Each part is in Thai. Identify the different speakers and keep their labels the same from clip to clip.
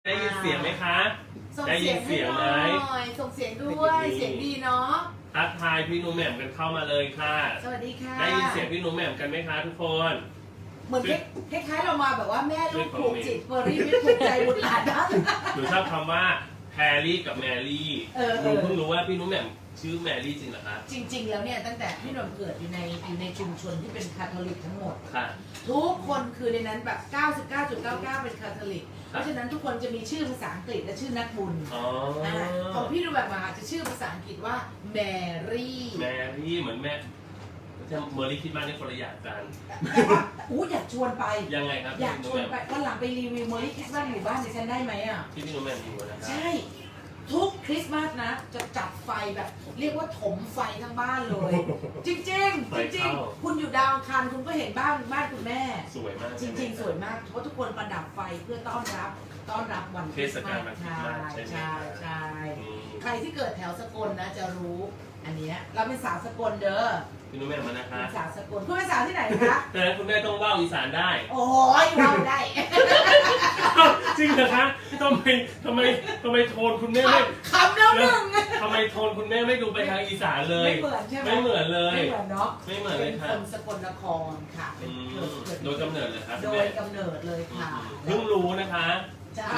Speaker 1: ได้ยินเสียงไหมคะ
Speaker 2: ส่ง
Speaker 1: ได้ยิน
Speaker 2: เสียง
Speaker 1: ไหม
Speaker 2: ส่งเสียงด้วยเสียงดีเนาะ
Speaker 1: ทักทายพี่หนุ่มแหม่มกันเข้ามาเลยค่ะ
Speaker 2: สวัสดีค่ะ
Speaker 1: ได้ยินเสียงพี่หนุ่มแหม่มกันไหมคะทุกคน
Speaker 2: เหมือนคล้ายๆเรามาแบบว่าแม่ลูกผูกจิตเฟอร์รี่ไม่ผูกใจบุตรหลานนะ
Speaker 1: หนูชอบคำว่าแพรรี่กับแมรี่หนูเพิ่งรู้ว่าพี่หนุ่มแหม่มชื่อแมรี่จริงเหรอคะ
Speaker 2: จริงๆแล้วเนี่ยตั้งแต่พี่หนุ่มเกิดอยู่ในชุมชนที่เป็นคาทอลิกทั้งหมด
Speaker 1: ค่ะ
Speaker 2: ทุกคนคือในนั้นแบบ 99.99 เป็นคาทอลิกเพราะฉะนั้นทุกคนจะมีชื่อภาษาอังกฤษและชื่อนักบุญของพี่ดูแบบมาจะชื่อภาษาอังกฤษว่าแมรี่
Speaker 1: เหมือนแม่เมอร์รี่คิดมากในคนละอย่างกัน
Speaker 2: อยากชวนไป
Speaker 1: ยังไงครับ
Speaker 2: อยากชวนไปวันหลังไปรีวิวเมอร์รี่คริสต์มาสอยู่บ้านดิฉันได้ไหมอ่ะ
Speaker 1: ที่พี่หนุ่มแหม่มอยู่นะครับ
Speaker 2: ใช่ทุกคริสต์มาสนะจะจัดไฟแบบเรียกว่าถมไฟทั้งบ้านเลยจริงจริงคุณอยู่ดาวอังคารคุณก็เห็นบ้านคุณแม่
Speaker 1: สวยมาก
Speaker 2: จริงสวยมากเพราะทุกคนประดับไฟเพื่อต้อนรับวันคริสต์มาสใช่ใครที่เกิดแถวสกลนะจะรู้อันนี้เราเป็นสาวสกลเด้อ
Speaker 1: พี่นุ่มแหม่มมานะคะ
Speaker 2: เป็นสาวสกลคุณเป็นสาวที่ไหนคะ
Speaker 1: แต่คุณแม่ต้องว่าวอีสานได้
Speaker 2: โอ้ยว่าวได้
Speaker 1: จริงเหรอคะทำไมโทนคุณแม่ไม่
Speaker 2: คำแล้วหนึ่ง
Speaker 1: ทำไมโทนคุณแม่ไม่ดูไปทางอีสานเลย
Speaker 2: ไม่เหมือนใช่ไหม
Speaker 1: ไม่เหมือนเลย
Speaker 2: ไม่เหมือนเนาะ
Speaker 1: ไม่เหมือนเลยค่ะ
Speaker 2: เป็นคนสกลนครค่ะ
Speaker 1: โดยกำเนิดเลยครับ
Speaker 2: โดยกำเนิดเลยค่ะ
Speaker 1: เพิ่งรู้นะคะ
Speaker 2: ใช่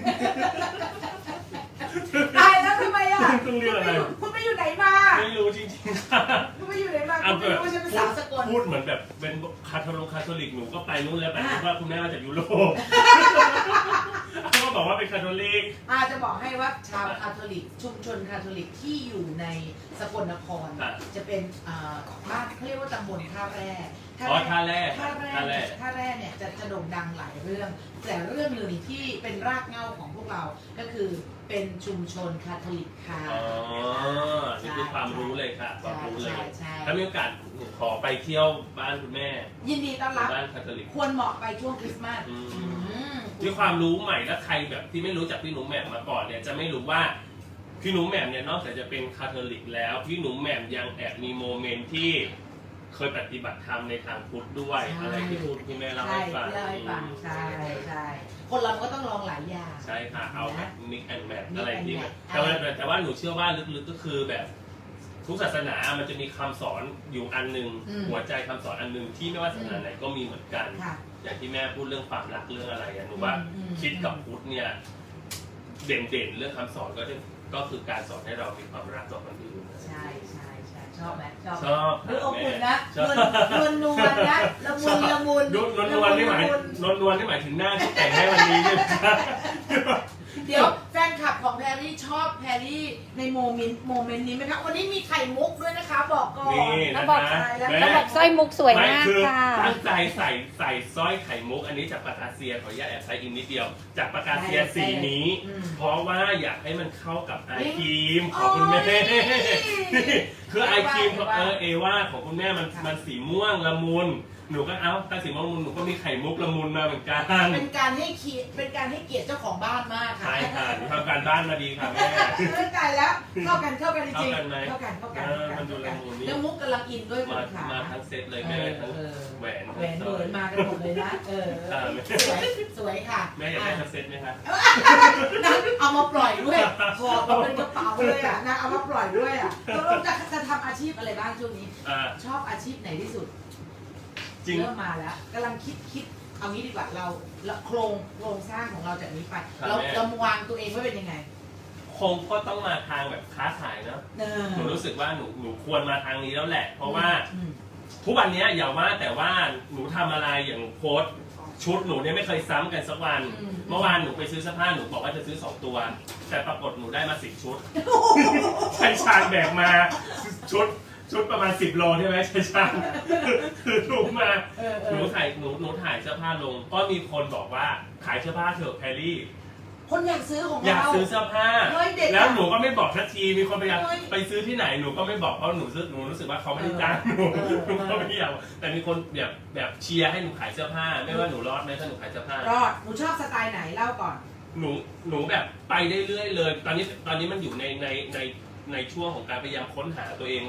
Speaker 2: ตายแล้วทำไมอ่ะ
Speaker 1: ต้องเรียกอะไร
Speaker 2: คุณไปอยู่ไหนมา
Speaker 1: ไม่รู้จริงๆค่ะ
Speaker 2: คุณไปอยู่ไหนมาคุณไม่รู้ว่าฉันเป็นสาวสกล
Speaker 1: พูดเหมือนแบบเป็นคาทอลิกหนูก็ไปนู้นแล้วแต่ว่าคุณแม่มาจากยุโรปเขาก็บอกว่าเป็นคาทอลิก
Speaker 2: จะบอกให้ว่าชาวคาทอลิกชุมชนคาทอลิกที่อยู่ในสกลนครจะเป็นบ้านเขาเรียกว่าตำบลท่าแร่
Speaker 1: ท่าแร่
Speaker 2: เนี่ยจะโด่งดังหลายเรื่องแต่เรื่องหนึ่งที่เป็นรากเหง้าของพวกเราก็คือเป็นชุมชนคาทอลิกค่ะ
Speaker 1: นี่คือความรู้เลยค่ะความรู้เลยถ้ามีโอกาสขอไปเที่ยวบ้านคุณแม่
Speaker 2: ยินดีต้อนรับ
Speaker 1: บ้านคาทอลิก
Speaker 2: ควรเหมาะไปช่วงคริสต์มาส
Speaker 1: มีความรู้ใหม่และใครแบบที่ไม่รู้จักพี่หนุ่มแหม่มมาก่อนเนี่ยจะไม่รู้ว่าพี่หนุ่มแหม่มเนี่ยนอกจากจะเป็นคาทอลิกแล้วพี่หนุ่มแหม่มยังแอบมีโมเมนต์ที่เคยปฏิบัติธรรมในทางพุทธด้วยอะไรที่พูดที่แม่เล่าให้ฟัง
Speaker 2: ใช่คนเราก็ต้องลองหลายอย่าง
Speaker 1: ใช่ค่ะเอาแบบมิกแอนด์แมทอะไรที่แต่ว่าหนูเชื่อว่าลึกๆก็คือแบบทุกศาสนามันจะมีคำสอนอยู่อันนึงหัวใจคำสอนอันนึงที่ไม่ว่าศาสนาไหนก็มีเหมือนกันอย่างที่แม่พูดเรื่องความรักเรื่องอะไรหนูว่าคิดกับพุทธเนี่ยเด่นเรื่องคำสอนก็คือการสอนให้เรามีความรักต่อคนอื่น
Speaker 2: ใช่ชอบไหม
Speaker 1: ชอบ
Speaker 2: ดูอบอุ่นนะนวลนะละมุน
Speaker 1: นวลนี่หมายถึงหน้าที่แต่งให้วันนี้ใช่ไหม
Speaker 2: เดี๋ยวแฟนคลับของแพรรี่ชอบแพรรี่ในโมเมนต์นี้ไหมคะวันนี้มีไข่มุกด้วยนะคะบอกก่อน
Speaker 1: แล้ว
Speaker 2: บอก
Speaker 3: สร้อยมุกสวยมากค่ะ
Speaker 1: ตั้งใจใส่สร้อยไข่มุกอันนี้จากปากกาเซียขออนุญาตแอบใช้อีกนิดเดียวจากปากกาเซียสีนี้เพราะว่าอยากให้มันเข้ากับไอครีมของคุณแม่คือไอครีมของเอว่าของคุณแม่มันสีม่วงละมุนหนูก็ถ้าสีม่วงละมุนหนูก็มีไข่มุกละมุนมาเหมือนกัน
Speaker 2: เป็นการให้เกียรติเจ้าของบ้านมากค่ะ
Speaker 1: ใช่ค่ะทำการบ้านมาดีค่ะแม่
Speaker 2: เรื่องใจแล้วเข้ากันจริง
Speaker 1: เข้ากันมันดูละมุนนี่
Speaker 2: แล้วมุกกำลังอินด้วย
Speaker 1: มาทั้งเซตเลยแม่ทั้งแหวน
Speaker 2: มากันหมดเลยนะสวยค่ะ
Speaker 1: แม่อยากได้ทั้งเซตไหมคะ
Speaker 2: นั่นเอามาปล่อยด้วยพอมาเป็นกระเป๋าเลยอ่ะนะเอามาปล่อยด้วยอ่ะตกลงจะทำอาชีพอะไรบ้างช่วงนี้ชอบอาชีพไหนที่สุดเริ่มมาแล้วกำลังคิดเอางี้ดีกว่าเราโครงสร้างของเราจากนี้ไปเราวางตัวเองไว้เป็นยังไง
Speaker 1: คงก็ต้องมาทางแบบค้าขายเนาะหนูรู้สึกว่าหนูควรมาทางนี้แล้วแหละเพราะว่าทุกวันนี้อย่าว่าแต่ว่าหนูทำอะไรอย่างโค้ดชุดหนูเนี่ยไม่เคยซ้ำกันสักวันเมื่อวานหนูไปซื้อเสื้อผ้าหนูบอกว่าจะซื้อ2ตัวแต่ปรากฏหนูได้มา10 ชุดใช้ชานแบกมาชุดประมาณ10 โลใช่ไหมใช่ช่างคือถูกมาหนูถ่ายเสื้อผ้าลงก็มีคนบอกว่าขายเสื้อผ้าเถอะแพรรี่
Speaker 2: คนอยากซื้อของเรา
Speaker 1: อยากซื้อเสื้อผ้าแล้วหนูก็ไม่บอกทันทีมีคนพยายามไปซื้อที่ไหนหนูก็ไม่บอกเพราะหนูรู้สึกว่าเขาไม่ได้จ้างหนูก็ไม่อยากแต่มีคนแบบเชียร์ให้หนูขายเสื้อผ้าไม่ว่าหนูรอดไหมถ้าหนูขายเสื้อผ้าร
Speaker 2: อดหนูชอบสไตล์ไหนเล่าก่อน
Speaker 1: หนูแบบไปได้เรื่อยเลยตอนนี้มันอยู่ในช่วงของการพยายามค้นหาตัวเองว่า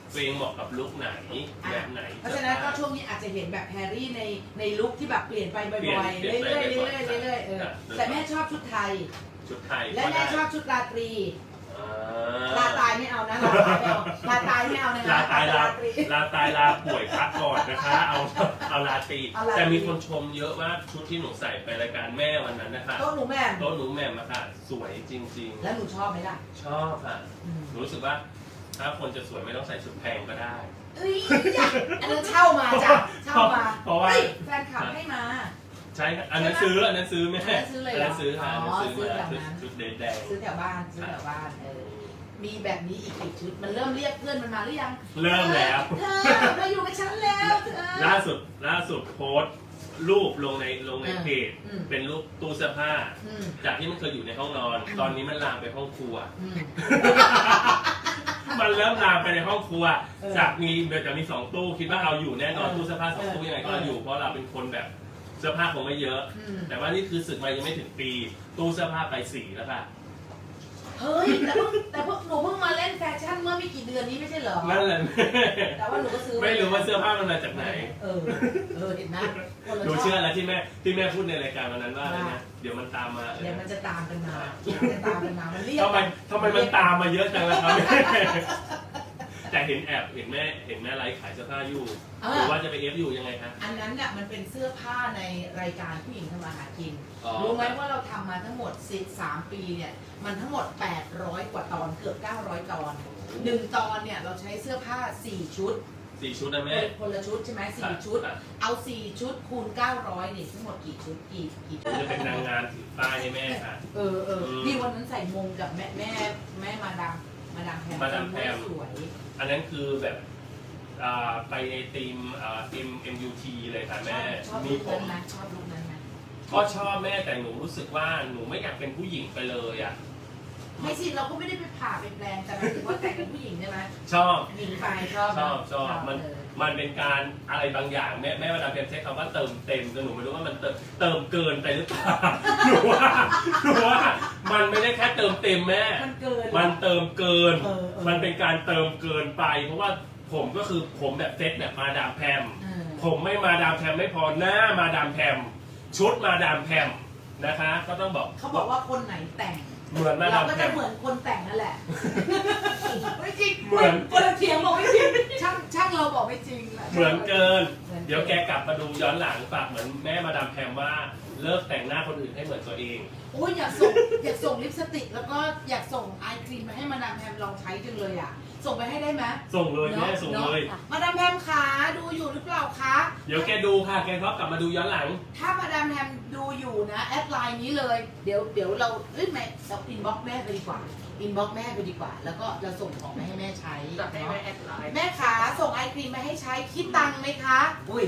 Speaker 1: ตัวเองเหมาะกับลุคไหนแบบไหน
Speaker 2: เพราะฉะนั้นก็ช่วงนี้อาจจะเห็นแบบแพรรี่ในลุคที่แบบเปลี่ยนไปบ่อยๆเรื่อยๆเรื่อยๆแต่แม่ชอบชุดไทย
Speaker 1: ชุดไทย
Speaker 2: และแม่ชอบชุดราตรีลาตายไม่เอานะลาตายไม่เอานะ
Speaker 1: ลาตายลาป่วยพักก่อนนะคะเอาลาตรีแต่มีคนชมเยอะว่าชุดที่หนูใส่ไปรายการแม่วันนั้นนะคะ
Speaker 2: โต๊ะหนูแม่
Speaker 1: โต๊ะหนูแหม่มอะค่ะสวยจริงๆ
Speaker 2: แล้วหนูชอบไหมล่ะ
Speaker 1: ชอบค่ะหนูรู้สึกว่าถ้าคนจะสวยไม่ต้องใส่ชุดแพงก็ได้
Speaker 2: เอ้ยอันนั้นเช่ามาจ้ะเช่ามา
Speaker 1: เพราะว่า
Speaker 2: แฟนคลับให้มา
Speaker 1: ใช่อันนั้นซื้อแม่
Speaker 2: อันนั้นซื้อเลย
Speaker 1: อันนั้นซื้อค่ะ
Speaker 2: อ๋อ
Speaker 1: อันนั้นซื้อ
Speaker 2: ซื้อ
Speaker 1: มา
Speaker 2: แบบนั้น
Speaker 1: ชุดแดง
Speaker 2: ซื้อแถวบ้านมีแบบนี้อีกกี่ชุดมันเริ่มเรียกเพื่อนมันมาหรือยัง
Speaker 1: เริ่มแล้ว
Speaker 2: เธอมาอยู่กับฉันแล้วเธอ
Speaker 1: ล่าสุดโพสต์รูปลงในเพจ
Speaker 2: อืม
Speaker 1: เป็นรูปตู้เสื้อผ้า
Speaker 2: อืม
Speaker 1: จากที่มันเคยอยู่ในห้องนอน ตอนนี้มันลามไปห้องครัว
Speaker 2: อืม
Speaker 1: มันเริ่มลามไปในห้องครัว
Speaker 2: เออ
Speaker 1: จากมีเดี๋ยวจะมี2 ตู้คิดว่าเอาอยู่แน่นอน
Speaker 2: เออ
Speaker 1: ตู้เสื้อผ้า2 ตู้ยังไงก็เอาอยู่เพราะเราเป็นคนแบบเสื้อผ้าคงไม่เยอะ
Speaker 2: อืม
Speaker 1: แต่ว่านี่คือสึกมายังไม่ถึงปี ตู้เสื้อผ้าไป4แล้วค่ะ
Speaker 2: เฮ้ยแต่พวกหนูเพิ่งมาเล่นแฟชั่นเมื่อไม่กี่เดือนนี้ไม่ใช่เหรอ
Speaker 1: นั่นแหละ
Speaker 2: แต่ว่าหนูก็ซื้อ
Speaker 1: ไม่รู้ว่าเสื้อผ้ามันมาจากไหน
Speaker 2: เห็นนะคนละ
Speaker 1: ดู
Speaker 2: ชบ
Speaker 1: เชื่อแล้วที่แม่พูดในรายการวันนั้นว่าอะไรนะเดี๋ยวมันตามมา
Speaker 2: เดี๋ยวมันจะตามกันมามันเรียก
Speaker 1: ทำไมมันตามมาเยอะจังล่ะครับ แต่เห็นแม่ไลฟ์ขายเสื้อผ้าอยู่หรือว่าจะไปเอฟอยู่ยังไงคะ
Speaker 2: อันนั้นน่ะมันเป็นเสื้อผ้าในรายการผู้หญิงทำมาหากิน
Speaker 1: อ๋อ
Speaker 2: รู้ไหมว่าเราทำมาทั้งหมด13 ปีเนี่ยมันทั้งหมด800 กว่าตอนเกือบ900 ตอน1ตอนเนี่ยเราใช้เสื้อผ้า4 ชุด
Speaker 1: 4 ชุดนะแม่
Speaker 2: คนละชุดใช่ไหม4 ชุด เอา4 ชุดคูณ900นี่ทั้งหมดกี่ชุดกี่ชุด
Speaker 1: จะเป็นนางงานถือป้ายให้แม่ค่ะ
Speaker 2: นี่วันนั้นใส่มงกับแม่มาดามแพมสวย
Speaker 1: อันนั้นคือแบบไปในทีมMUT เลยค่ะแม่
Speaker 2: ชอบ
Speaker 1: มี
Speaker 2: ลุค
Speaker 1: ผ
Speaker 2: นั้น
Speaker 1: ม
Speaker 2: ไหมชอบลุคนั้นไหม
Speaker 1: ก็ชอบแม่แต่หนูรู้สึกว่าหนูไม่อยากเป็นผู้หญิงไปเลยอ่ะ
Speaker 2: ไม่สิเราก็ไม่ได้ไปผ่าไปแปลงแต่หมายถึงว่าแต่งเป็นผู้หญิงใช่ไหม
Speaker 1: ชอบ
Speaker 2: หญิงไปชอบ
Speaker 1: มันเป็นการอะไรบางอย่างแม่มาดามแพมใช้คำว่าเติมเต็มแต่หนูไม่รู้ว่ามันเติมเกินไปหรือเปล่า หนูว่ามันไม่ได้แค่เติมเต็มแม่
Speaker 2: มันเกิน
Speaker 1: มันเติมเกิน มันเป็นการเติมเกินไป เพราะว่าผมก็คือผมแบบเซ็ตแบบมาดามแพม ผมไม่มาดามแพมไม่พอหน้ามาดามแพมชุดมาดามแพมนะคะ ก็ต้องบอก
Speaker 2: เขาบอกว่าคนไหนแต่ง
Speaker 1: เหมือนมาดา
Speaker 2: เรา
Speaker 1: ม
Speaker 2: ก็
Speaker 1: แพ
Speaker 2: จะ
Speaker 1: ม
Speaker 2: เหมือนคนแต่งนั่นแหละ ไม่จริง
Speaker 1: เหมือน
Speaker 2: คนละเถียงบอกไม่จริงช่างเราบอกไม่จริงแหละ
Speaker 1: เหมือนเกิน เดี๋ยวแกกลับมาดูย้อนหลังฝากเหมือนแม่มาดามแพมว่าเลิกแต่งหน้าคนอื่นให้เหมือนตัวเอง
Speaker 2: โอ้ยอยากส่งลิปสติกแล้วก็อยากส่งไอครีมมาให้มาดามแพมลองใช้จังเลยอ่ะส่งไปให้ได้ไหม
Speaker 1: ส่งเลยแม่ส่งเลย
Speaker 2: มาดามแพมขาดูอยู่หรือเปล่าคะ
Speaker 1: เดี๋ยวแกดูค่ะแกก็กลับมาดูย้อนหลัง
Speaker 2: ถ้ามาดามแพมดูอยู่นะแอดไลน์นี้เลย เดี๋ยวเราไม่เราอินบ็อกแม่ไปดีกว่าอินบ็อกแม่ไปดีกว่า แล้วก็เราส่งของมาให้แม่ใช้
Speaker 4: จัดให้แม่แอดไลน์
Speaker 2: แม่ขาส่งไอครีมมาให้ใช้คิดตังค์ไหมคะอุ้ย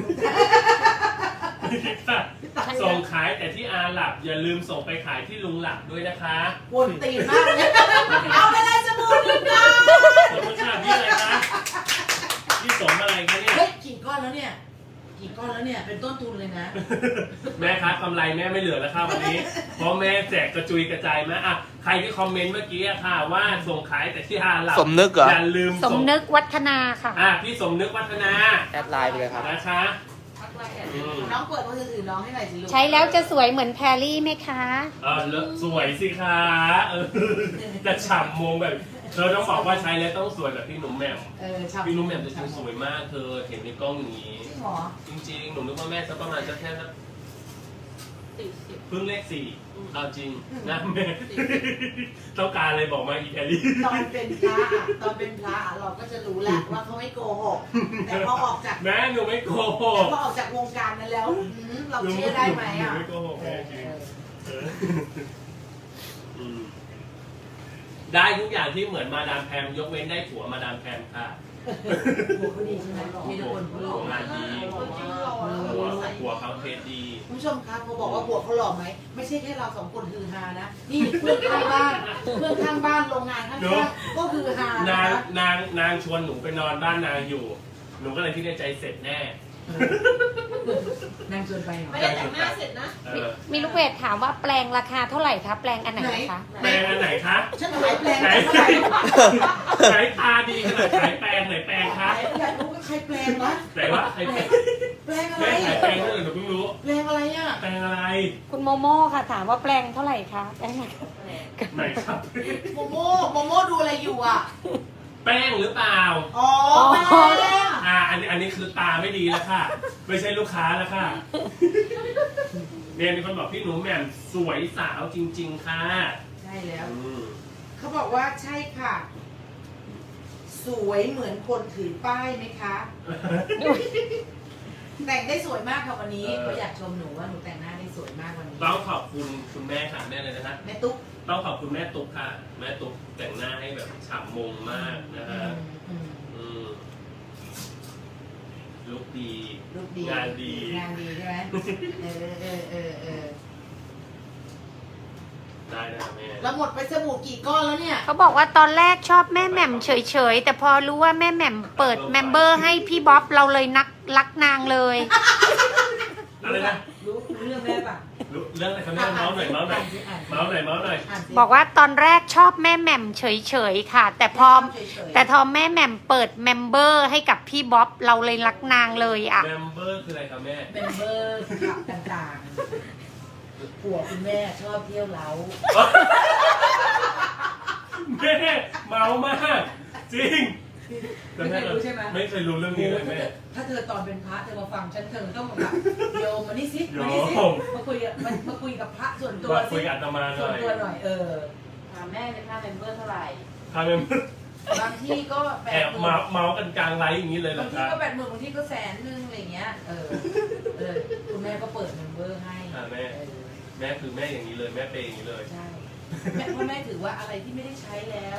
Speaker 1: ส่งขายแต่ที่อาหลับอย่าลืมส่งไปขายที่ลุงหลับด้วยนะคะ
Speaker 2: วนตีนมากเลยเอาไปเลยสบู่นึงนะ
Speaker 1: ขอบคุณค่ะพี่อะไรคะพี่สมอะไรคะเนี่ย
Speaker 2: เฮ้ยกี่ก้อนแล้วเนี่ยเป็นต้นทุนเลยนะ
Speaker 1: แม่คะกำไรแม่ไม่เหลือแล้วค่ะวันนี้ เพราะแม่แจกกระจุยกระจายมาอ่ะใครที่คอมเมนต์เมื่อกี้อะค่ะว่าส่งขายแต่ที่อาหลับ
Speaker 5: สมนึกเหรอ
Speaker 1: อย่าลืม
Speaker 3: สมนึกวัฒนาค่ะ
Speaker 1: พี่สมนึกวัฒนา
Speaker 5: แอดไลน์ไปเลยครับ
Speaker 1: นะคะ
Speaker 4: ทักไลน์แอด
Speaker 1: อืม
Speaker 2: น้องเปิดมือถือน้องให้หน่อยสิลูก
Speaker 3: ใช้แล้วจะสวยเหมือนแพรรี่ไหมคะ
Speaker 1: สวยสิคะจะฉ่ำมงแบบเธอต้องบอกว่าใช้แล้วต้องสวยแบบพี่หนุ่มแหม่ม
Speaker 2: ชอบ
Speaker 1: พี่หนุ่มแหม่มจะสวยมากเธอเห็นในกล้องอย่างนี้
Speaker 2: จริงเหรอ
Speaker 1: จริงๆหนูนึกว่าแม่จะประมาณจะแค่สัก
Speaker 4: 40
Speaker 1: เพิ่งเลข4เอาจริงนะแม่ต้องการอะไรบอกมาอีแคลรี่
Speaker 2: ตอนเป็นพระเราก็จะรู้แหละว่าเขาไม่โกหกแต่พอออกจาก
Speaker 1: แม่หนูไม่โกห
Speaker 2: แต่
Speaker 1: ก
Speaker 2: พอออกจากวงการนั้นแล้วเราเชื่อได้ไหมอ่ะ
Speaker 1: นูไม่โกหกแม่จริงได้ทุกอย่างที่เหมือนมาดามแพมยกเว้นได้ผัวมาดามแพมค่ะ
Speaker 2: หัวเขาดีใช่ไหมมีทุกคนเขาหล่อ
Speaker 1: งานดี หัวเขาเทสดี
Speaker 2: คุณผู้ชมครับพอบอกว่าหัวเขาหล่อไหมไม่ใช่แค่เราสองคนฮือฮานะนี่เพื่อนข้างบ้านโรงงานข้างๆก็ฮือฮาน
Speaker 1: างชวนหนูไปนอนบ้านนางอยู่ หนูก็เลยคิดในใจเสร็จแน่
Speaker 2: นั่งชวนไปเหรอ
Speaker 4: ไม่ได้แต่งหน้าเสร็จนะ
Speaker 3: มีลูกเพจถามว่าแปลงราคาเท่าไหร่คะแปลงอันไหนคะ
Speaker 1: แปลงอันไหนคะ
Speaker 2: ฉันขายแปลง
Speaker 1: ไหน
Speaker 2: เท่าไหร่
Speaker 1: ไหนตาดีขนาดขายแปลงไหนแปลงคะ
Speaker 2: อยากรู้ว่าใครแปลงวะ
Speaker 1: ไหนวะใครแปลง
Speaker 2: แปลงอะไร
Speaker 1: แม่ขายแปลงเท่าไหร่หนูเพิ่งรู้
Speaker 2: แปลงอะไรอ่ะ
Speaker 1: แปลงอะไร
Speaker 3: คุณโมโม่ค่ะถามว่าแปลงเท่าไหร่คะแปลงราคา
Speaker 1: ไหนครับ
Speaker 2: โมโม่ดูอะไรอยู่อ่ะ
Speaker 1: แป้งหรือเปล่า
Speaker 2: อ๋อแปลง
Speaker 1: อันนี้คือตาไม่ดีแล้วค่ะ ไม่ใช่ลูกค้าแล้วค่ะเนี่ยมีคนบอกพี่หนูแหม่มสวยสาวจริง ๆ ค่ะ
Speaker 2: ใช่แล้ว
Speaker 1: อืม
Speaker 2: เขาบอกว่าใช่ค่ะ สวยเหมือนคนถือป้ายไหมคะ แต่งได้สวยมากค่ะวันนี้เขาอยากชมหนูว่าหนูแต่งหน้าได้สวยมากวันนี้
Speaker 1: ต้องขอบคุณคุณแม่ค่ะแม่เลยนะคะ
Speaker 2: แม่ตุ๊ก
Speaker 1: ต้องขอบคุณแม่ตุ๊กค่ะ แม่ตุ๊กแต่งหน้าให้แบบฉ่ำมงมากนะฮะ
Speaker 2: อืม
Speaker 1: อืมลุกดี
Speaker 2: รูปดี
Speaker 1: งานดี
Speaker 2: งานดีใช่ไหมเออ
Speaker 1: ได้นะแม่
Speaker 2: แล้วหมดไปสบู่กี่ก้อนแล้วเนี่ย
Speaker 3: เขาบอกว่าตอนแรกชอบแม่แหม่มเฉยๆแต่พอรู้ว่าแม่แหม่มเปิดเมมเบอร์ให้พี่บ๊อบเราเลยรักนางเลย
Speaker 1: อะไรนะ
Speaker 2: รู้เรื่องแม่ปะ
Speaker 1: รู้เรื่องอะไรครับแม่เมาส์หน่อยเมาส์หน่อยเมาส์หน่อยเมาส์หน่อย
Speaker 2: อ่านสิ
Speaker 3: บอกว่าตอนแรกชอบแม่แหม่มเฉยๆค่ะ แต่พอ
Speaker 2: เฉยๆ
Speaker 3: แต่พอแม่แหม่มเปิดเมมเบอร์ให้กับพี่บ๊อบเราเลยรักนางเลยอ่ะ
Speaker 1: เมมเบอร์คืออะไรครับแม่
Speaker 2: เมมเบอร์ขับต่างๆผัวคุณแม่ชอบเที่ยวเล้า
Speaker 1: แม่เมามาก จริง
Speaker 2: ไม่เคยรู้ใช่ไหม
Speaker 1: ไม่เคยรู้เรื่องนี้เลยแม่
Speaker 2: ถ้าเธอตอนเป็นพระเธอมาฟังฉันเธอต้องแบบโยมมานี่สิ
Speaker 1: โย
Speaker 2: มานี่สิ
Speaker 1: ม
Speaker 2: มาคุยกับพระส่วนตัว
Speaker 1: มา
Speaker 2: สิ
Speaker 1: คุยกับอาตมาห
Speaker 2: ส่
Speaker 1: น่
Speaker 2: ว
Speaker 1: อน ย
Speaker 2: ตัวหน่อย
Speaker 4: ถามแม่เลยค่าเมมเบอร์เท่าไหร่
Speaker 1: ทำเมมเบอร์
Speaker 2: บางที่ก็แป
Speaker 1: แอ
Speaker 2: ด
Speaker 1: บ
Speaker 2: หมื่น
Speaker 1: เมาส์กันกลางไลฟ์อย่างนี้เลยเหร
Speaker 2: บา
Speaker 1: อง
Speaker 2: ที
Speaker 1: ครับ
Speaker 2: ก็80,000บางทีก็100,000อะไรเงี้ยคุณแม่ก็เปิดเมมเบอร์ให้
Speaker 1: แม่แม่คือแม่อย่างนี้เลยแม่เป็นอย่างนี้เลย
Speaker 2: ใช่แม่เพราะแม่ถือว่าอะไรที่ไม่ได้ใช้แล้ว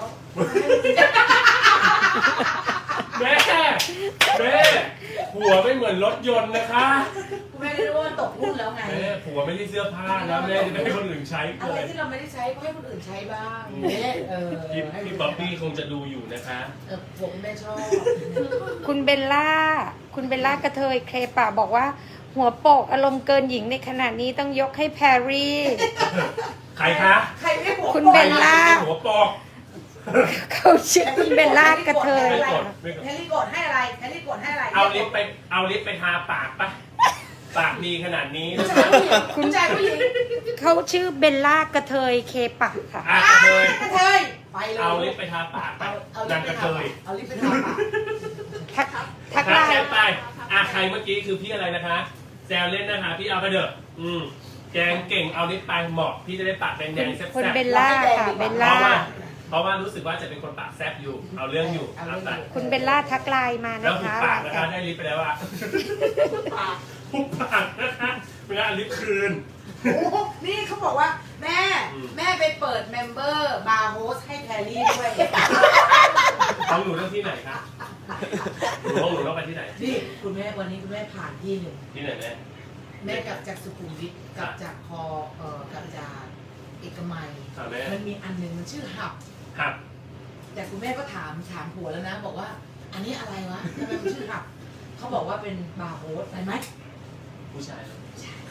Speaker 1: แม่แม่ผัวไม่เหมือนรถยนต์นะคะ
Speaker 2: คุณแม่ได้รู้ว่ามันตกรุ่นแล้วไง
Speaker 1: แม่ผัวไม่ได้เสื้อผ้าแล้วแม่จะไม่ให้คนอื่นใช้
Speaker 2: อะ
Speaker 1: เล
Speaker 2: ไร
Speaker 1: ย
Speaker 2: ที่เราไม่ได้ใช้ก็ให้คนอื่นใช้บ้างเนี่ย
Speaker 1: พี่บ๊อบบี้คงจะดูอยู่นะคะ
Speaker 2: ผมแม่ชอบ
Speaker 3: คุณเบลล่ากระเทยเคลปะบอกว่า หัวโปกอารมณ์เกินหญิงในขณะนี้ต้องยกให้แพรรี่
Speaker 1: ใครคะ
Speaker 2: ใครไม่หัว
Speaker 3: คุณเบลล่า
Speaker 1: หัวปอก
Speaker 3: เขาชื่อคุณเบลล่ากระเทย
Speaker 2: แฮร์รี่กดให้อะไรแฮร์รี่กดให้อะไร
Speaker 1: เอาลิปไปทาปากปะปากดีขนาดนี้
Speaker 2: คุณชายผู้หญิง
Speaker 3: เขาชื่อเบลล่ากระเทยเคปะค่ะ
Speaker 1: อ่ะกระเทย
Speaker 2: กระเทยไปเลย
Speaker 1: เอาลิปไปทาปากไป
Speaker 2: เอาลิ
Speaker 1: นา
Speaker 2: ป
Speaker 1: ง
Speaker 2: ไป
Speaker 1: กระ
Speaker 2: ทา
Speaker 1: เทย
Speaker 2: เอาลิปไปทาปาก
Speaker 3: ทักไล
Speaker 1: แซ
Speaker 3: น์
Speaker 1: วไปใครเมื่อกี้คือพี่อะไรนะคะแซวเล่นนะคะพี่เอาไปเถอะแกงเก่งเอาลิปไปเหมาะพี่จะได้ปากแดงๆแซ่บๆ
Speaker 3: คุณเบลล่าค่ะเบลล่า
Speaker 1: เพราะว่ารู้สึกว่าจะเป็นคนปากแซ่บอยู่ เอาเรื่องอยู่เอาแต่
Speaker 3: คุณเบลล่าทักไลน์มา
Speaker 1: แล้ว
Speaker 3: นะ
Speaker 1: หุบ
Speaker 3: คะ
Speaker 1: ปากนะคะได้ลิปไปแล้วอะหุบปากนะคะไม่งั้นเอาลิปคืน
Speaker 2: โอ้นี่เขาบอกว่าแม่ไปเปิดเมมเบอร์บาร์โฮสให้แคลรี่ด้วย
Speaker 1: ต้องหนูเรื่องที่ไหนคะหนูต้องไปที่ไหน
Speaker 2: นี่คุณแม่วันนี้คุณแม่ผ่านที่หนึ่ง
Speaker 1: ที่ไหนแม่
Speaker 2: แม่กลับจากสุขุมวิทกลับจากกลับจากเอกมัย
Speaker 1: ค่ะแม่
Speaker 2: มันมีอันหนึ่งมันชื่อหับ
Speaker 1: หัก
Speaker 2: แต่คุณแม่ก็ถามผัวแล้วนะ บอกว่า อันนี้อะไรวะทำไมมันชื่อหับเขาบอกว่าเป็นบาร์โฮสใช่ไหม
Speaker 1: ผู้ชายเหรอ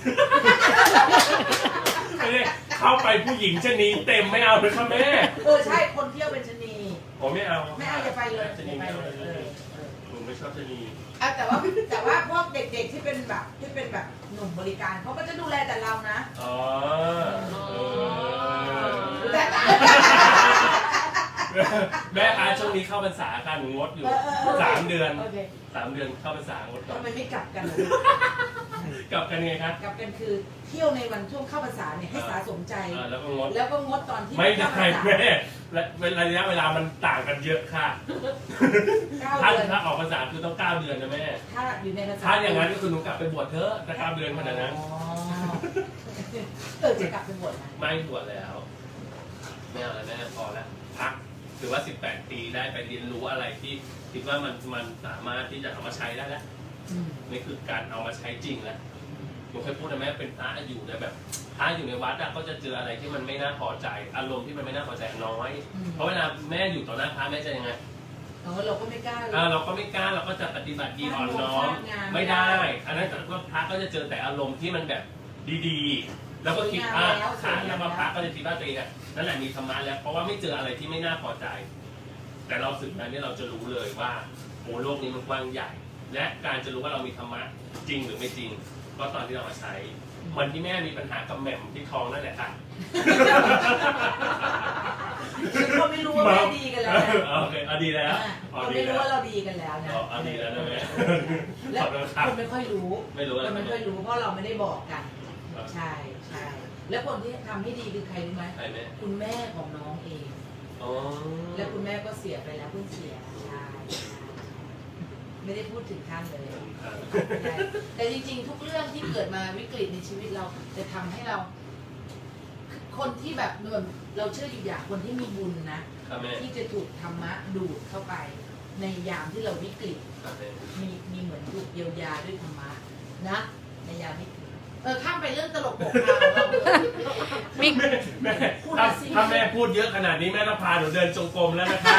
Speaker 1: ไม่ได้เข้าไปผู้หญิงชะนีเต็มไม่เอาเลยค่ะแม่
Speaker 2: ใช่คนเที่ยวเป็นชะนี
Speaker 1: ผมไม่เอา
Speaker 2: ไม่เอาอย่าไปเลย
Speaker 1: ชะนีไม่เอาเลยหนูไม่ชอบชะนี
Speaker 2: แต่ว่าพวกเด็กๆที่เป็นแบบหนุ่มบริการเขาก็จะดูแลแต่เรานะ
Speaker 1: อ๋อ
Speaker 2: แต่
Speaker 1: แม่คะช่วงนี้เข้าพรรษาค่ะหนูงดอยู่3 เดือน
Speaker 2: โอเค
Speaker 1: 3 เดือนเข้าพรรษางดก่อน
Speaker 2: ทำไมไม่กลับกันล่ะ
Speaker 1: กลับกันไงคะ
Speaker 2: กลับกันคือเที่ยวในวันช่วงเข้าพรรษาเนี่ยให้สะสมใจ
Speaker 1: แล้วก็งด
Speaker 2: แล้วก็งดตอนที่
Speaker 1: ไม่ได้
Speaker 2: เข้าพรรษา
Speaker 1: แม่ระยะเวลามันต่างกันเยอะค่ะ
Speaker 2: 9 เดือน
Speaker 1: ถ้าออกพรรษาคือต้อง9 เดือนนะแม่
Speaker 2: ถ้าอยู่ในพรรษา
Speaker 1: ถ้าอย่างนั้นก็คือหนูกลับไปบวชเถอะถ้า9 เดือนขนาดนั้น
Speaker 2: อ๋อจะกลับไปบวชไหม
Speaker 1: ไม่บวชแล้วไม่เอาแล้วแม่พอแล้วพักถือว่า18 ปีได้ไปเรียนรู้อะไรที่คิดว่ามันสามารถที่จะเอามาใช้ได้แล้ว นี่คือการเอามาใช้จริงแล้วหนูเคยพูดนะแม่เป็นพระอยู่ในแบบพระอยู่ในวัดก็จะเจออะไรที่มันไม่น่าพอใจ อารมณ์ที่มันไม่น่าพอใจน้อย เพราะเวลาแม่อยู่ต่อหน้าพระแม่จะยังไง
Speaker 2: เราก็ไม่กล้าเลย
Speaker 1: เราก็ไม่กล้าเราก็จะปฏิบัติดีอ่อนน้อมไม่ได้ อันนั้นแต่ว่าพระก็จะเจอแต่อารมณ์ที่มันแบบดีๆแล้วก็คิดแล้วก็พระก็จะคิดว่าตัวเองนั่นแหละมีธรรมะแล้วเพราะว่าไม่เจออะไรที่ไม่น่าพอใจ แต่เราสึกนั้นเนี่ยเราจะรู้เลยว่าโอ้โลกนี้มันกว้างใหญ่ และการจะรู้ว่าเรามีธรรมะจริงหรือไม่จริงก็ตอนที่เรามาใช้เหมือนที่แม่มีปัญหากับแหม่มที่ท้องนั่นแหละค่ะ
Speaker 2: เขาไม่รู้ว่าแม่ดีกันแล้ว
Speaker 1: โอเคดีแล้ว
Speaker 2: เขาไม่รู้ว่าเราดีกันแล้วนะ
Speaker 1: ดีแล้วนะแม่
Speaker 2: แล้วคนไม่ค่อยรู้
Speaker 1: ไม่รู้
Speaker 2: คนไม่ค่อยรู้เพราะเราไม่ได้บอกกันใช่ใช่แล้วคนที่ทำให้ดีคือใครรู้ไหมคุณแม่ของน้องเองแล้วคุณแม่ก็เสียไปแล้วเพิ่งเสียใช่ไม่ได้พูดถึงท่านเลยแต่จริงๆทุกเรื่องที่เกิดมาวิกฤตในชีวิตเราจะทำให้เราคนที่แบบเราเชื่ออยู่อย่างคนที่มีบุญนะที่จะถูกธรรมะดูดเข้าไปในยามที่เราวิกฤตมีเหมือนถูกเยียวยาด้วยธรรมะนะในยามวิกฤตข้ามไปเรื่องตลกโปกฮา
Speaker 1: แม่ถ้าแม่พูดเยอะขนาดนี้แม่ต้องพาหนูเดินจงกรมแล้วนะคะ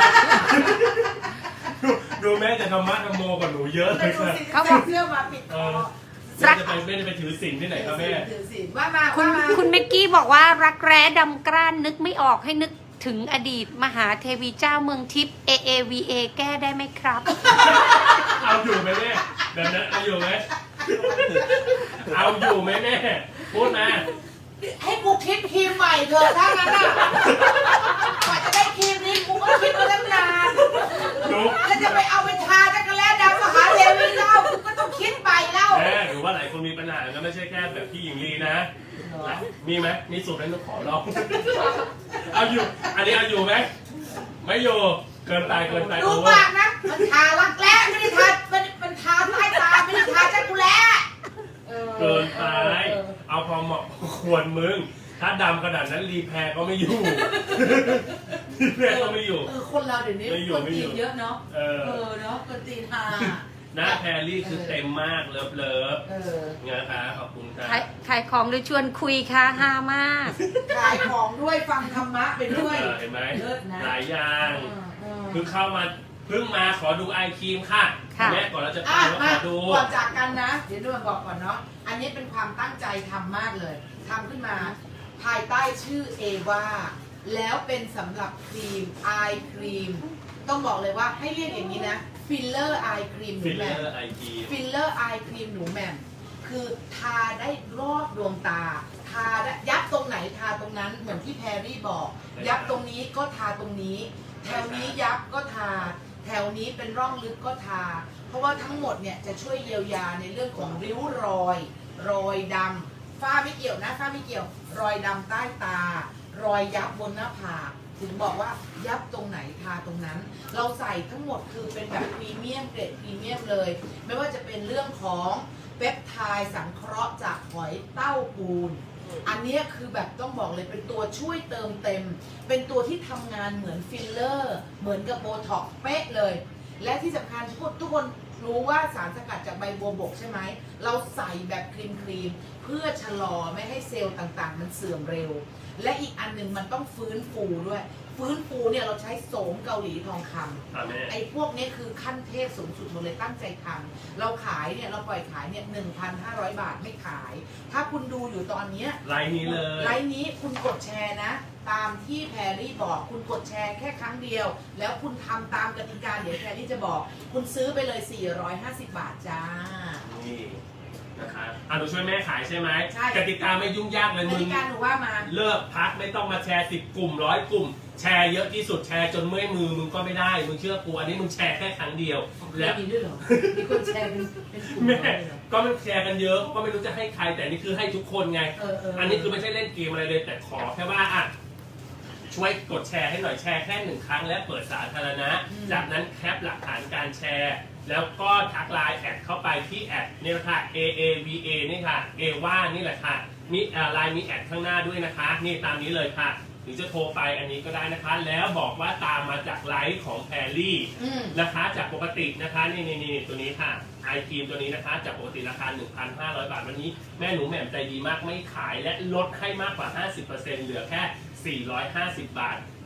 Speaker 1: ดูแม่จะธรรมะธรรมโมกว่าหนูเยอะเลยค่ะ
Speaker 2: เขาบอกเสื้อมาปิดคอ
Speaker 1: ไม่ได้ไปถือศีลที่ไหนครับแม่
Speaker 3: คุณเมกกี้บอกว่ารักแร้ดำกร้านนึกไม่ออกให้นึกถึงอดีตมหาเทวีเจ้าเมืองทิพย์ AAVA แก้ได้ไหมครับ
Speaker 1: เอาอยู่ไหมแม่แบบนั้นเอาอยู่ไหมเอาอยู่ไหมแม่พูดมา
Speaker 2: ให้กูคิดครีมใหม่เถอะถ้างั้นอ่ะกว่าจะได้ครีมนี้กูก็คิดมาตั้งนานแล้วจะไปเอาไปทาจักรแลดำมหาเทวีเจ้ากูก็ต้องคิดใหม่แล้ว
Speaker 1: แม่หรือว่าหลายคนมีปัญหาก็ไม่ใช่แค่แบบพี่หญิงลีนะมีไหมมีสูตรนั้นต้องขอลองเอาอยู่อันนี้เอาอยู่ไหมไม่อยู่เกินไป
Speaker 2: ดูปากนะมันทารักแร้ไม่ได้ทามันทาใต้ตาไม่ได้ทาจักรแล
Speaker 1: เกินไปเอาพอเหมาะควรมึงถ้าดำขนาดนั้นรีแพร์ก็ไม่อยู่รีแพร์ก็ไม่อยู่
Speaker 2: คนเราเดี๋ยวนี้คนตีนเยอะเนาะเนาะคนตีนทา
Speaker 1: หน้าแพรรี่คือเต็มมากเลิฟนะคะขอบคุณครับ
Speaker 3: ขายของหรือชวนคุยค่ะฮามาก
Speaker 2: ขายของด้วยฟังธรรมะไปด้วย
Speaker 1: เห็นไหมหลายอย่างคือเข้ามาเพิ่งมาขอดูไอครีมค่ะแม่ก่อนเราจะไปขอดู
Speaker 2: ก่อนจากกันนะเดี๋ยวดูบอกก่อนเนาะอันนี้เป็นความตั้งใจทำมากเลยทำขึ้นมาภายใต้ชื่อเอวาแล้วเป็นสำหรับครีมไอครีมต้องบอกเลยว่าให้เรียกอย่างนี้นะฟิลเลอร์ไอครีมหนูแหม่มฟิลเลอร์ไอครีมหนูแหม่มคือทาได้รอบดวงตาทายับตรงไหนทาตรงนั้นเหมือนที่แพรรี่บอกยับตรงนี้ก็ทาตรงนี้แถวนี้ยับก็ทาแถวนี้เป็นร่องลึกก็ทาเพราะว่าทั้งหมดเนี่ยจะช่วยเยียวยาในเรื่องของริ้วรอยดำฝ้าไม่เกี่ยวนะฝ้าไม่เกี่ยวรอยดำใต้ตารอยยับบนหน้าผากถึงบอกว่ายับตรงไหนทาตรงนั้นเราใส่ทั้งหมดคือเป็นแบบพรีเมียมเกรดพรีเมียมเลยไม่ว่าจะเป็นเรื่องของเปปไทด์สังเคราะห์จากหอยเต้าปูนอันนี้คือแบบต้องบอกเลยเป็นตัวช่วยเติมเต็มเป็นตัวที่ทำงานเหมือนฟิลเลอร์เหมือนกับโบท็อกซ์เป๊ะเลยและที่สำคัญทุกคนรู้ว่าสารสกัดจากใบบัวบกใช่ไหมเราใส่แบบครีมเพื่อชะลอไม่ให้เซลล์ต่างๆมันเสื่อมเร็วและอีกอันหนึ่งมันต้องฟื้นฟูด้วยฟื้นฟูเนี่ยเราใช้โสมเกาหลีทองคำไอ้พวกนี้คือขั้นเทพสูงสุดหมดเลยตั้งใจทำเราขายเนี่ยเราปล่อยขายเนี่ย 1,500 บาทไม่ขายถ้าคุณดูอยู่ตอนนี้
Speaker 1: ไลน์นี้เลย
Speaker 2: ไลน์นี้คุณกดแชร์นะตามที่แพรรี่บอกคุณกดแชร์แค่ครั้งเดียวแล้วคุณทำตามกติกาเดี๋ยวแพรรี่จะบอกคุณซื้อไปเลย450 บาทจ้า
Speaker 1: นี่นะคะหนูช่วยแม่ขายใช่ไหมใช่กติกาไม่ยุ่งยากเลยมึงก
Speaker 2: ติกาหนูว่ามา
Speaker 1: เลิกพักไม่ต้องมาแชร์10 กลุ่ม100 กลุ่มแชร์เยอะที่สุดแชร์จนเมื่อยมือมึงก็ไม่ได้มึงเชื่อกูอันนี้มึงแชร์แค่ครั้งเดียว
Speaker 2: แล้วมีด้วยเหรอมีคนแชร์เป็นกลุ่มแม่
Speaker 1: ก็มันแชร์กันเยอะก็ไม่รู้จะให้ใครแต่นี่คือให้ทุกคนไงอันนี้คือไม่ใช่เล่นเกมอะไรเลยแต่ขอแค่ว่าช่วยกดแชร์ให้หน่อยแชร์แค่1 ครั้งและเปิดสาธารณะจากนั้นแคปหลักฐานการแชร์แล้วก็ทักไลน์แอดเข้าไปที่แอดนี่ค่ะ AAVA นี่ค่ะเอว่านี่แหละค่ะมีไลน์มีแอดข้างหน้าด้วยนะคะนี่ตามนี้เลยค่ะหรือจะโทรไปอันนี้ก็ได้นะคะแล้วบอกว่าตามมาจากไลฟ์ของแพรรี่นะคะจากปกตินะคะนี่ตัวนี้ค่ะไอครีมตัวนี้นะคะจากปกติราคา 1,500 บาทวันนี้แม่หนูแหม่มใจดีมากไม่ขายและลดให้มากกว่า 50% เหลือแค่450 บาท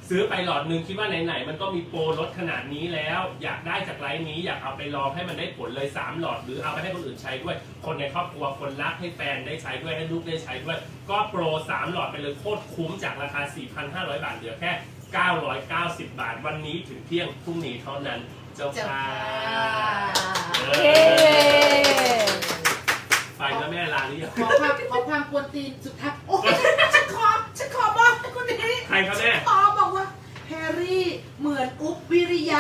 Speaker 1: ซื้อไปหลอดนึงคิดว่าไหนๆมันก็มีโปรลดขนาดนี้แล้ว อยากได้จากไลน์นี้อยากเอาไปลองให้มันได้ผลเลย3หลอดหรือเอาไปให้คนอื่นใช้ด้วย คนในครอบครัวคนรักให้แฟนได้ใช้ด้วยให้ลูกได้ใช้ด้วย ก็โปร3หลอดไปเลยโคตรคุ้มจากราคา 4,500 บาทเหลือแค่990 บาทวันนี้ถึงเที่ยงพรุ่งนี้เท่านั้นเจ้าค่ะ
Speaker 3: เย้
Speaker 1: ไปแล้วแม่ลาหรือยัง
Speaker 2: ขอความกวนตีนสุดท้ายโอ้ยฉันขอบอกให้คนนี้
Speaker 1: ใครครับแม่
Speaker 2: ขอบอกว่าแฮร์รี่เหมือนอุ๊บวิริยะ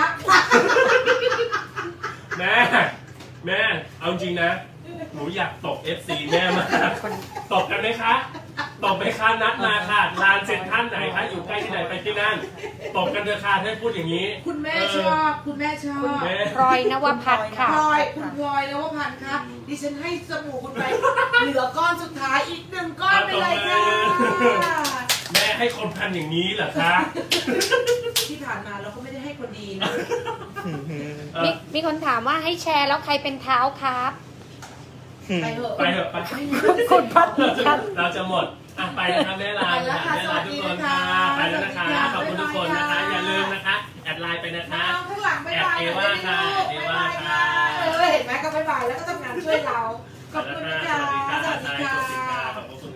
Speaker 1: แม่เอาจริงนะหนูอยากตบ FC แม่มากตบกันไหมคะตบไหมคะนัดมาค่ะลานเซ็นทรัลไหนคะอยู่ใกล้ที่ไหนไปที่นั่นตบกันเถอะค่ะถ้าพูดอย่างนี้
Speaker 2: คุณแม่ชอบคุณแม่ชอบ
Speaker 1: แม่
Speaker 3: พลอยนวพัฒน์ค่ะ
Speaker 2: คุณพลอยแล้วว่าพันธ์ครับดิฉันให้สบู่คุณไปเหลือก้อนสุดท้ายอีก1ก้อนไปเลยค่ะ
Speaker 1: แม่ให้คนพันอย่างนี้เหรอคะ
Speaker 2: ที่ผ่านมาเราก็ไม่ได้ให้คนดีนะ
Speaker 3: มีคนถามว่าให้แชร์แล้วใครเป็นเท้าครับ
Speaker 2: ไปเถอะ
Speaker 1: ไปเถอะไป
Speaker 3: คุณพัฒน์ครับ
Speaker 1: เราจะหมดอ่ะไปนะครับแม่ลา
Speaker 2: ไปแล้วค่ะ
Speaker 1: แม่ลาทุกคนค่ะ
Speaker 2: สวัสดี
Speaker 1: ไปแล้วนะคะ
Speaker 2: ค่ะ
Speaker 1: ขอบคุณทุกคนนะคะ
Speaker 2: บ๊ายบายค่ะ
Speaker 1: อย่าลืมนะคะแอดไลน์ไปนะคะ
Speaker 2: น้องข้างหลังบ๊ายบาย
Speaker 1: แอดเอว่าค่ะ
Speaker 2: บ๊ายบายค่ะเห็นไหมก็บ๊ายบายแล้วก็ทำงานช่วยเรา ขอบคุณ
Speaker 1: ส
Speaker 2: ค่ะ
Speaker 1: วัสดีค่ะ
Speaker 2: สวัสดี
Speaker 1: ขอบคุณ
Speaker 2: ค่ะ
Speaker 1: ขอบคุณ